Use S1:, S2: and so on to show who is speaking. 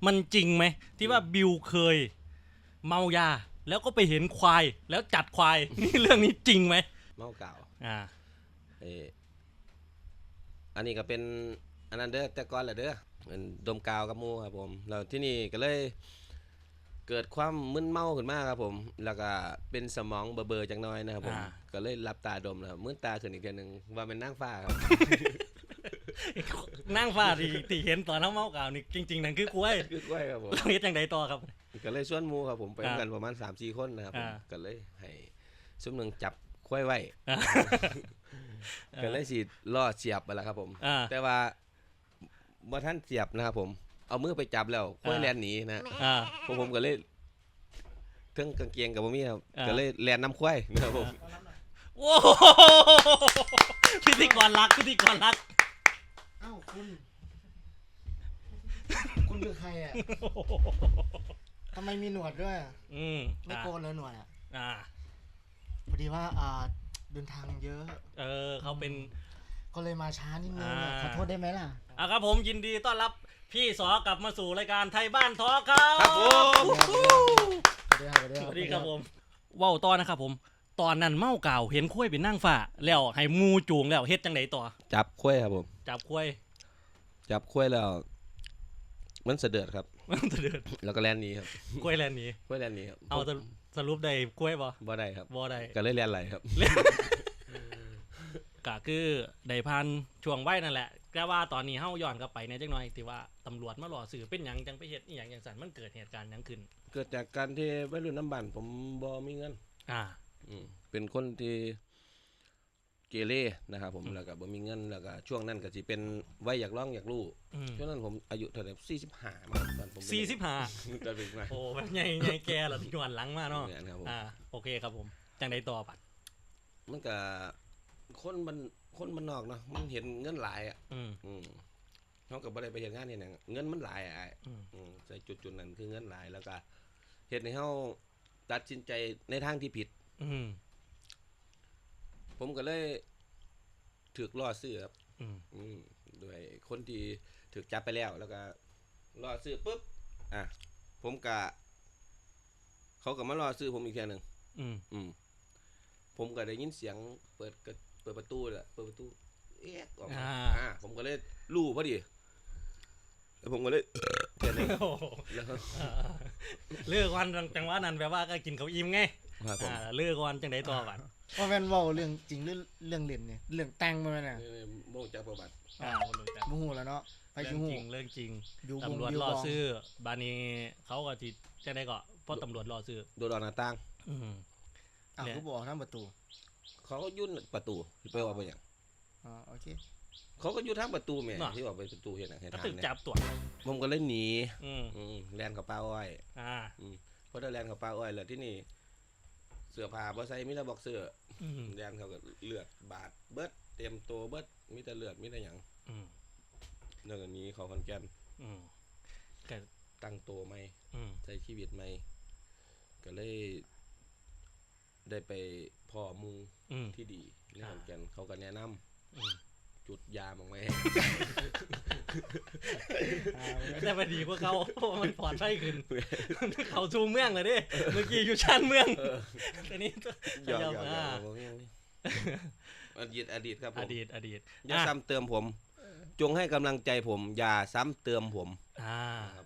S1: มันจริงไหมที่ว่าบิวเคยเมายาแล้วก็ไปเห็นควายแล้วจัดควาย นี่เรื่องนี้จริงไหม
S2: เมาเก่า
S1: อ่า
S2: เอออันนี้ก็เป็นอันนั้นเด้อแต่ก่อนแหละเด้อเป็นดมกาวกับหมู่ครับผมแล้วที่นี่ก็เลยเกิดความมึนเมาขึ้นมาครับผมแล้วก็เป็นสมองเบลอๆจังน้อยนะครับผมก็เลยหลับตาดมแล้วมึนตาขึ้นอีกทีนึงว่าเป็นนางฟ้าครับ
S1: นั่งฟ้าที่เห็นตอนน้ำเมากล่าวนี่จริงๆนั่นคือกล้วย
S2: คือกล้วยครับผม
S1: เราเฮ็ดจังไดต่อครับ
S2: ก็เลยชวนหมู่ครับผมไปกันประมาณ 3-4 คนนะครับผมก็เลยให้ซุ่มหนึงจับควายไว้ก็เลยสิล่อเสียบไปแล้วครับผมแต่ว่าบ่ทันเสียบนะครับผมเอามือไปจับแล้วควายแล่นหนีนะผมก็เลยเทิงกางเกงกับบ่มีครับก็เลยแล่นนำควายนะครับผม
S1: โอ้พิธีกรรัก
S3: เอ้าคุณคือใครอ่ะทำไมมีหนวดด้วยไม่โกนเลยหนวดอ่ะพอดีว่าเดินทางเยอะ
S1: เขาเป็น
S3: ก็เลยมาช้านิดนึงขอโทษได้ไหมล่ะ
S1: ครับผมยินดีต้อนรับพี่สอกลับมาสู่รายการไทยบ้านทอครับ
S2: ครับผม
S1: สวัสดีครับผมว้าวตอนนะครับผมตอนนั้นเมาเก่าเห็นคุ้ยเป็นนั่งฝ่าแล้วให้มูจูงแล้วเฮ็ดจังไดต่อ
S2: จับควายครับผม
S1: จับคุ้ย
S2: แล้วมันเสด็จครับแล้วก็แล่นหนีครับ
S1: กล้วยแลนหนี
S2: ครับ
S1: เอาสรุปได้กล้วย
S2: บ่ได้ครับ
S1: บ่ได้
S2: ก็เลยแล่นไหลครับ
S1: ก็คือได้พันช่วงไว้นั่นแหละแต่ว่าตอนนี้เฮาย้อนกลับไปในจังหน่อยที่ว่าตำรวจมาหล่อสื่อเป็นหยังจังไปเฮ็ดอีหยังจังซั่นมันเกิดเหตุการณ์หยังขึ้น
S2: เกิดจากการที่วัยรุ่นน้ำบ้านผมบ่มีเงินเป็นคนที่เกเรนะครับผมแล้วก็บ่มีเงินแล้วก็ช่วงนั้นก็สิเป็นวัยอยากร้องอยากรู้ช่วงนั้นผมอายุเท่าไหร่45มั้งตอนผม
S1: 45
S2: ตอนเป็นมา
S1: โอ้แบบใหญ่แก่แล้วย้อนหลังมาเนาะโอเคครับผมจังได๋ต่อบัด
S2: มันก็คนมันนอกเนาะมันเห็นเงินหลายอ่ะเฮาก็บ่ได้ไปเฮ็ดงานเฮ็ดหยังเงินมันหลายอ่ะใส่จุดนั้นคือเงินหลายแล้วก็เฮ็ดให้เฮาตัดสินใจในทางที่ผิดผมก็เลยถูกล่อซื้อครับด้วยคนที่ถูกจับไปแล้วก็ล่อซื้อปุ๊บผมก็เขาก็มาล่อซื้อผมอีกเทื่อนึงผมก็ได้ยินเสียงเปิดประตูแหละเปิดประตูเอ๊ะออกมาผมก็เลยรู้พอดีแล้วผมก็เลยเห็นเลยแล้ว
S1: เลิกวันจังหวะนั้นแปลว่าก็กินข้าวอิ่มไงเลิกวันจังได๋ต่อบัด
S3: ว่าแม่นเว้าเรื่องจริงหรือเรื่องเล่นเนี่ยเรื่องแต่งบ่แม่นน่ะ
S2: บ่รู้จักประวัติ
S3: บ่ฮู้แล้วเนาะ
S1: ไปสิฮู้เรื่องจริงตำรวจรอซื้อบาดนี้เขาก็สิจังได๋ก็พอตำรวจรอซื้อ
S2: โดนหน้าต่าง
S3: เขาบอกทางประตู
S2: เขาก็ยุ่นประตูไปว่าไปหยัง
S3: โอเค
S2: เขาก็อยู่ทางประตูแม่ที่ว่าไปประตูเฮ็ดให้ทาง
S1: เนี่ยจับตัว
S2: ผมก็เลยหนีแล่นเข้าป่าอ้อยพอได้แล่นเข้าป่าอ้อยแล้วที่นี่เสื้อผ้าบ่ใส่มีแต่บ็อกเซอร์แล่นเขาก็เลือดบาดเบิดเต็มตัวเบิดมีแต่เลือดมีแต่หยังแล้วก็หนีเข้าขอนแก่นก็ตั้งตัวใหม่ใช้ชีวิตใหม่ก็เลยได้ไปพ่อหมู่ที่ดีในขอนแก่นเขาก็แนะนำจุดยาบางไหม
S1: แต่พอดีกว่าเขามันปลอดภัยขึ้นเขาชูเมืองเลยดิเมื่อกี้อยู่ชานเมืองแต่นี้
S2: ยอมอดีตครับผม
S1: อดีต
S2: อย่าซ้ำเติมผมจงให้กำลังใจผมอย่าซ้ำเติมผม